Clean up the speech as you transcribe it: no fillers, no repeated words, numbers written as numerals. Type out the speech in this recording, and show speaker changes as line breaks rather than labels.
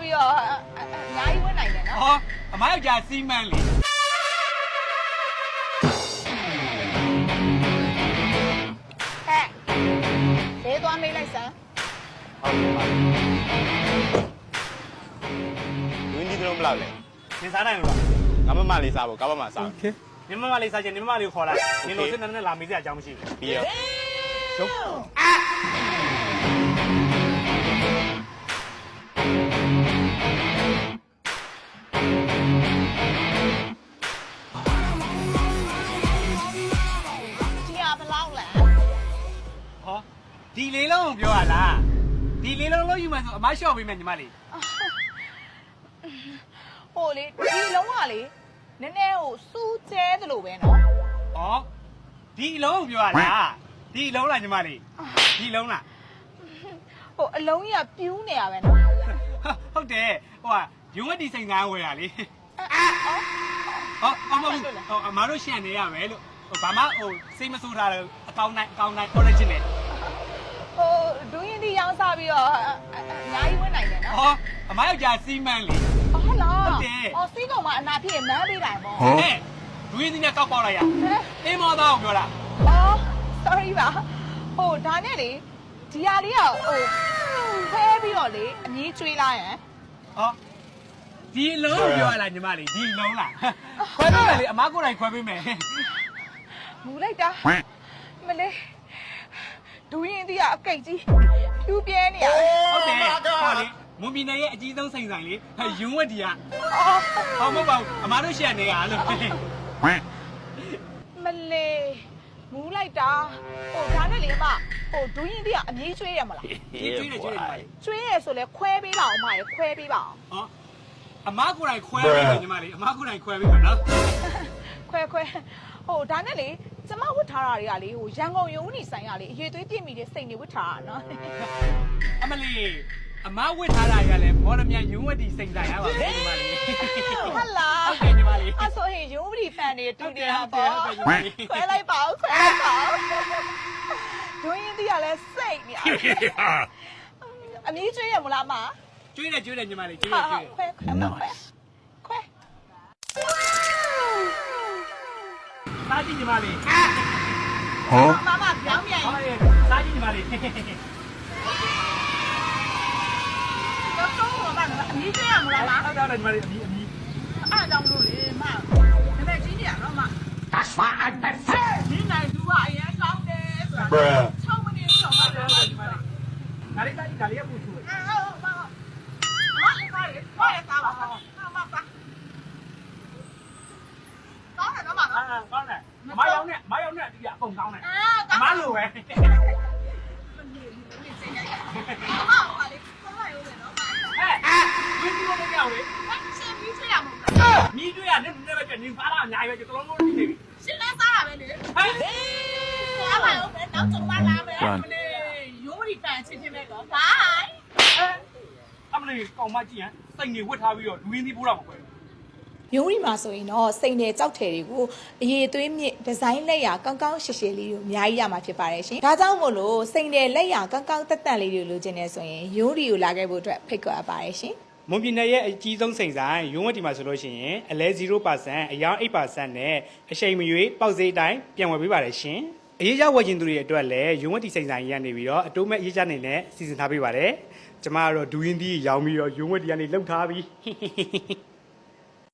ပြီးတော့အများကြီးဝင်နိုင်တယ်နော်
ဟောအမယောက်ျားစီမံလေ
ဟဲ့ဈေးသွားမေးလိုက်စမ်း
ဝင်းဒီတော့မလောက်လေ
သင်စားနိုင်လို့လား
ငါမမလေးစားဖို့ကမ္ဘာမှာစား
နင်မမလေးစားချင်နင်မမလေးကိုခေါ်လိုက်နင်တို့စစ်နဲ့လာမေးစရာအကြောင်းမရှိဘူး
ပြီးရော
ရုပ်
ဒီဟာဘယ်လောက်လဲ
ဟောဒီလေးလုံးကိုပြောရလားဒီလေးလုံးလို့ယူမှဆိုအမလျှော့ပေးမယ်ညီမလေး
ဟိုလေဒီလုံးကလေနည်းနည်းဟိုစူးကျဲသလိုပဲနော်
ဟောဒီအလုံးကိုပြောရလားဒီအလုံးလားညီမလေးဒီအလုံးလား
ဟိုအလုံးကြီးကပြူးနေရပဲနော်
ဟုတ်တယ်ဟိုကရုံးဝက်ဒီစိန်သားဝယ်ရလေဟောအမဟုတ်ဟောအမတို့ရှန်နေရမယ်လို့ဟိုဘာမှဟိုစိတ်မဆိုးထားတယ်အကောင်းနိုင် original
ဟိုဒူးရင်ဒီရောင်းစားပြီးတော့အများကြီးဝင်နိုင်တယ်နော်
ဟောအမယောက်ျားစီမံလေ
ဟုတ်လား
ဟုတ်တယ်
ဟောစီးကောင်မှာအနာဖြစ်ရင်မန်းပေးတိုင်းပေါ့
ဟဲ့ဒူးရင်းဒီနဲ့ကောက်ပေါက်လိုက်ရအေးမောသားကိုပြောတာ
အော် sorry ပါဟိုဒါနဲ့လေဒီဟာလေးကဟိုဖဲပြီးတော့လေအမြည်ကျွေးလိုက်ရန်
ဟောဒီအလုံးကိုပြောရလားညီမလေးဒီအလုံးလားခွဲပေးမယ်လေအမကိုယ်တိုင်ခွဲပေးမယ်
မူလိုက်တာမလေးဒူးရင်ဒီကအကိတ်ကြီးဖြူပြဲနေရတယ်
ဟုတ်တယ်ဟောလေမွန်ပြည်နယ်ရဲ့အကြီးဆုံးစိန်ဆိုင်လေဟဲ့ရုံးဝက်ဒီက
အော်
ဟောမဟုတ်ပါဘူးအမတို့ရှန်နေရလို့
မလေးမူလိုက်တာဟိုဒါနဲ့လေအမဟိုဒူးရင်ဒီကအမြည်ကျွေးရမလား
ဒီကျွေးတယ်ညီမလေး
ကျွေးရဆိုလဲခွဲပေးပါအောင်မရခွဲပေးပါအောင်
ဟောအမကိုယ်တိုင်ခွဲပေးမယ်ညီမလေးအမကိုယ်တိုင်ခွဲပေးမယ်နော်
ခွဲဟိုဒါနဲ့လေကျမဝတ်ထားတာတွေကလေဟိုရန်ကုန်ရုံးနေဆိုင်ရလေအရေးသွေးပြည့်မိတဲ့စိတ်နေဝတ်ထားတာနော်
အမလေးအမဝစ်ထားတာရလဲမော်ရမြန်ရုံးဝက်ဒီစိန်ဆိုင်ရပါမယ်ညီမလေး
ဟုတ်လား
ဟုတ်တယ်ညီမလေး
အဲ့ဆိုရင်ရုံးပရီဖန်တွေတူတယ်
ဟုတ်
ပေါ့
တယ်ညီမလေး
ခွဲလိုက်ပါဦးခွဲလိုက်ပါဦးဒွင်းရင်တီးကလည်းစိတ်နေရအမီးကျွေးရမလားမ
ကျွေးတယ်ညီမလေးကျွေး
ဟာ
တယ်ကျွေးတယ်
ခွဲ
စားကြည့်ညီမလေး
မမပြောင်းပြန်
ဟောလေစားကြည့်ညီမလေး
တော့တော့မအမီးကျွေးရမလားမ
ဟုတ်တယ်ညီမလေးအမီး
အားကြောင့်လို့လေမဒါပေမဲ့ကြီးနေရတော့မ
That's why I said.
ဒီနိုင်သူကအရင်ကောင်းတယ်ဆိုတာ6မိနစ်တော့မှတော့
ညီမလေးဒါလေးစားကြည့်ဒါလေးကပူချူတယ်
ဟုတ်ပါမလေးပါလေဟောရတာပါမပါကောင်းတယ်တော့မနော်
ကောင်းတယ်မယောင်းနဲ့ဒီကအကုန်ကောင်းတယ်
အာ
အမလိုပဲ
မပါလေကောင်းလိုက်ဦးမယ်နော်မ
ဟဲ့ဝင်းဒီလိုမကြောက်လေ
ရှင်ပြီးချရမှာမလား
မြည်တွေ့ရတယ်နည်းပဲနေစားတာအများကြီးပဲကျွန်တော်တို့နေပြီ
ရှင်လဲစားတာပဲလေ
ဟဲ့
အားပါဦးမယ်နောက်ကြုံပါလားမယ်မလေးရိုးရီဖန်ချင်းချင်းပဲကောဘိုင်
အမလေးကောင်မကြည့်ဟမ်စိတ်နေဝတ်ထားပြီးတော့ဒူရင်းသီးပိုးတော့မကွယ်
ရုံးရီမှာဆိုရင်တော့စိန်နယ်ကြောက်ထည်တွေကိုအရေးသွေးမြင့်ဒီဇိုင်းလက်ရာကောင်းကောင်းရှည်ရှည်လေးတွေအများကြီးရမှာဖြစ်ပါတယ်ရှင်။ဒါကြောင့်မို့လို့စိန်နယ်လက်ရာကောင်းကောင်းတက်တက်လေးတွေလိုချင်နေဆိုရင်ရုံးရီကိုလာခဲ့ဖို့အတွက်ဖိတ်ခေါ်ပါတယ်ရှင်။
မွန်ပြည်နယ်ရဲ့အကြီးဆုံးစိန်ဆိုင်ရုံးဝတ်ဒီမှာဆိုလို့ရှိရင်အလဲ 0% အယောင် 8% နဲ့အချိန်မရွေးပေါက်ဈေးတိုင်းပြန်ဝယ်ပေးပါတယ်ရှင်။အရေးကြဝယ်ခြင်းသူတွေအတွက်လည်းရုံးဝတ်ဒီစိန်ဆိုင်ကြီးကနေပြီးတော့အတိုးမဲ့အရေးကြနေနဲ့စီစဉ်ထားပေးပါတယ်။ကျမကတော့ဒူရင်းသီးရောင်းပြီးတော့ရုံးဝတ်ဒီကနေလှုပ်ထားပြီး